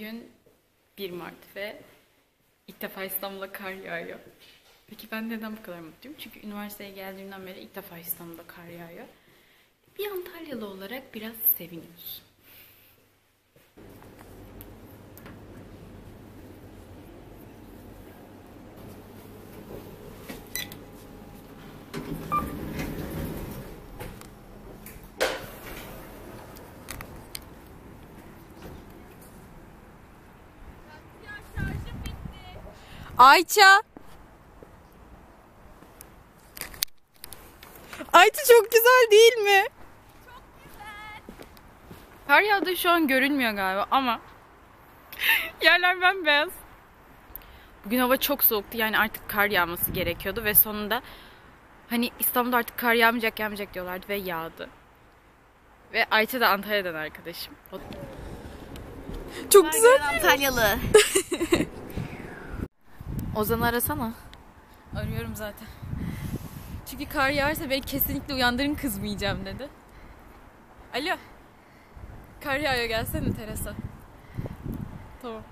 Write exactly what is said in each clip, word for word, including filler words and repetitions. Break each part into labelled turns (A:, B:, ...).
A: Bugün bir Mart ve ilk defa İstanbul'da kar yağıyor. Peki ben neden bu kadar mutluyum? Çünkü üniversiteye geldiğimden beri ilk defa İstanbul'da kar yağıyor. Bir Antalyalı olarak biraz seviniyoruz.
B: Ayça. Ayça çok güzel değil mi?
A: Çok güzel. Kar yağdığı şu an görünmüyor galiba ama yerler bembeyaz. Bugün hava çok soğuktu, yani artık kar yağması gerekiyordu ve sonunda hani İstanbul'da artık kar yağmayacak yağmayacak diyorlardı ve yağdı. Ve Ayça da Antalya'dan arkadaşım. O...
B: Çok
C: Kar
B: güzel.
C: Antalyalı.
B: Ozan'ı arasana.
A: Arıyorum zaten.
B: Çünkü kar yağarsa beni kesinlikle uyandırın, kızmayacağım dedi. Alo. Kar yağıyor, gelsene terasa. Tamam.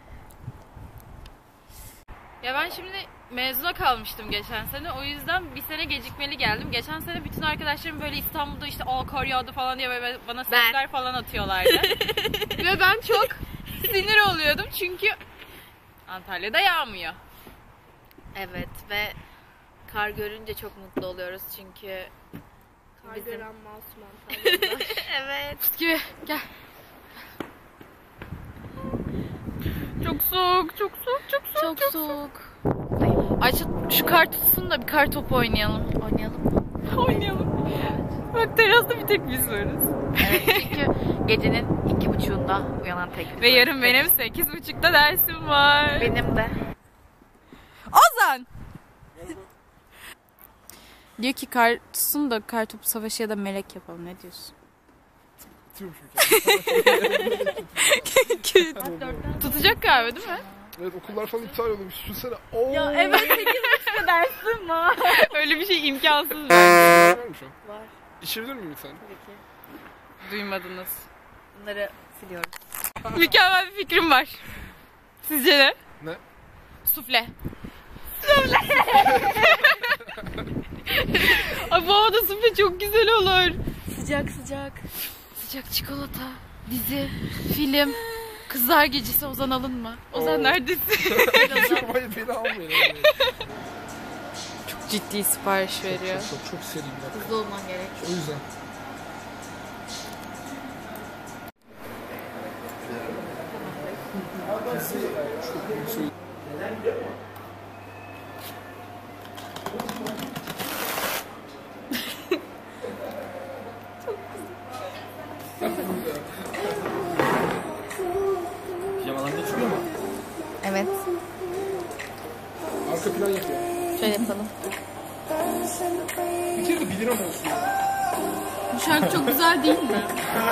A: Ya ben şimdi mezuna kalmıştım geçen sene. O yüzden bir sene gecikmeli geldim. Geçen sene bütün arkadaşlarım böyle İstanbul'da işte aa kar yağdı falan diye böyle bana sesler falan atıyorlardı. Ve ben çok sinir oluyordum çünkü Antalya'da yağmıyor.
C: Evet ve kar görünce çok mutlu oluyoruz çünkü
D: Kar
C: bizim...
D: gören masum Antalya'da.
C: Evet.
A: Pıs gibi gel. Çok soğuk, çok soğuk, çok soğuk.
B: Çok, çok soğuk.
A: Ayça şu kar tutsun da bir kar topu oynayalım.
C: Oynayalım mı?
A: Oynayalım. Bak terasta bir tek biz varız.
C: Evet çünkü gecenin iki buçuğunda uyanan tek biz
A: Ve
C: varız.
A: yarın benim sekiz buçukta dersim var.
C: Benim de.
B: Ozan! Diyor ki kar tutsun da kar topu savaşı ya da melek yapalım. Ne diyorsun?
A: Tutacak galiba değil mi?
E: Evet, okullar falan iptal oluyormuş. Düşünsene. Oo.
C: Ya evet sekiz buçukta dersim var.
A: Öyle bir şey imkansız.
E: Var mı şu an?
C: Var.
E: İçebilir miyim sen?
C: Tabii ki.
A: Duymadınız.
C: Bunları siliyoruz.
A: Mükemmel bir fikrim var. Sizce ne?
E: Ne?
A: Sufle. Sufle. Ay bu havada sufle çok güzel olur.
C: Sıcak sıcak.
A: Sıcak çikolata, dizi, film, Kızlar Gecesi. Ozan alınma. Ozan
E: Oo.
A: neredesin?
E: Hayır, beni almayın.
A: Çok ciddi sipariş veriyor.
E: Çok çok, çok seri bir dakika.
C: Hızlı olman gerek.
E: O yüzden.
F: Pijamalarında çıkıyor mu?
C: Evet.
E: Arka plan yapıyor.
C: Şöyle yapalım.
E: Bir kere de bir lira mı olsun?
A: Bu şarkı çok güzel değil mi?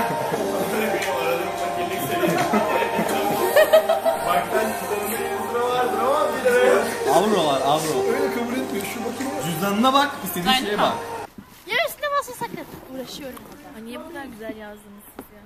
F: Avrolar, avro.
E: Öyle kabul etmiyor. Şu bakayım.
F: Cüzdanına bak, istediğin şeye bak.
D: Ya üstüne basma sakın. Uğraşıyorum.
C: Ay niye bu kadar güzel yazdınız siz ya?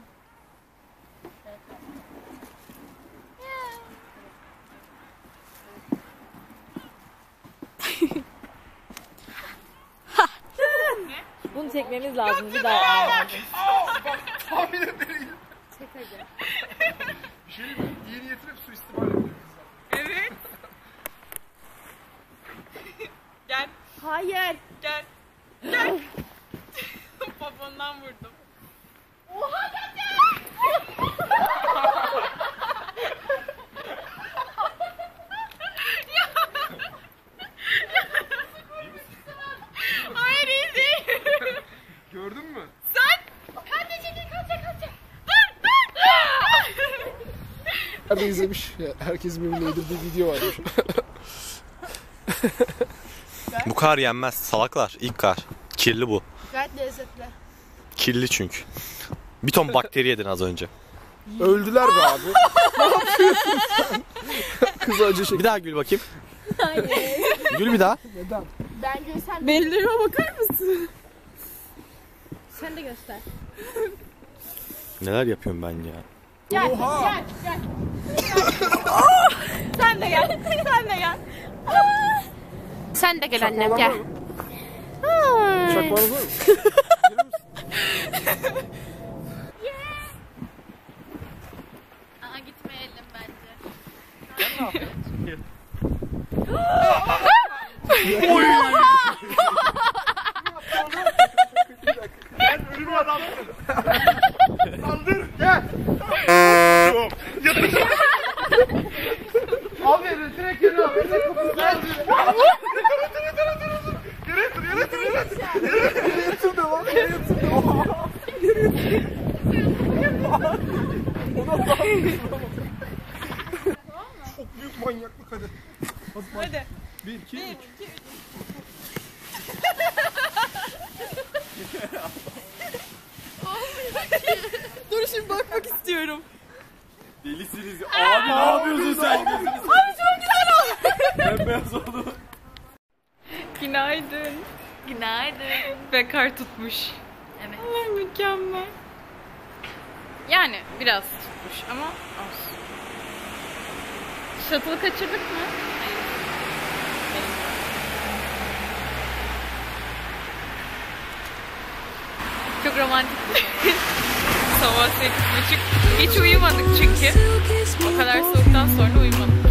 C: Bunu çekmemiz lazım bir daha.
E: Tahmin etmeliyim.
D: Çek hadi.
E: Bir şey mi? İyi niyetine suistimal ediyor kızlar.
A: Evet. Gel,
D: Hayır.
A: gel, gel. Babamdan vurdum. Hayır, iyi değil.
E: Gördün mü? Nerede izlemiş? Ya, herkesin birbirine yedirdiği video varmış.
G: Bu kar yenmez salaklar. İlk kar. Kirli bu.
D: Gayet lezzetli.
G: Kirli çünkü. Bir ton bakteri yedin az önce.
E: Öldüler be abi. Ne yapıyorsun sen? Kız acı çek.
G: Bir daha gül bakayım. Gül bir daha.
E: Neden?
D: Ben görsem.
B: Bellerime bakar mısın?
D: Sen de göster.
G: Neler yapıyorum ben ya.
D: Gel,
E: Oha!
D: gel, gel.
A: Sen de gel. Sen de gel.
D: Sen de gel annem, gel.
E: Şakmanız var mı?
C: Aa, gitmeyelim bence.
E: Ölümü adam. Saldır gel. Abi direkt yere abi. Direkt kapıyı gel. Yere yatır, yere yatır, yere yatır. Yere yatır da lan. Yere yatır da. Yere yatır. Çok büyük manyaklık hadi. Hadi. Bir, iki, üç.
A: Dur şimdi bakmak istiyorum.
F: Delisiniz. Abi ne yapıyorsun sen? Abi çok güzel oldu. Ben beyaz oldum.
A: Günaydın.
C: Günaydın.
A: Ve kar tutmuş.
C: Evet.
A: Allah mükemmel. Yani biraz tutmuş ama olsun. Shuttle'ı kaçırdık mı? Çok romantik bir sabah sekiz buçuk. Hiç uyumadık çünkü. O kadar soğuktan sonra uyumadık.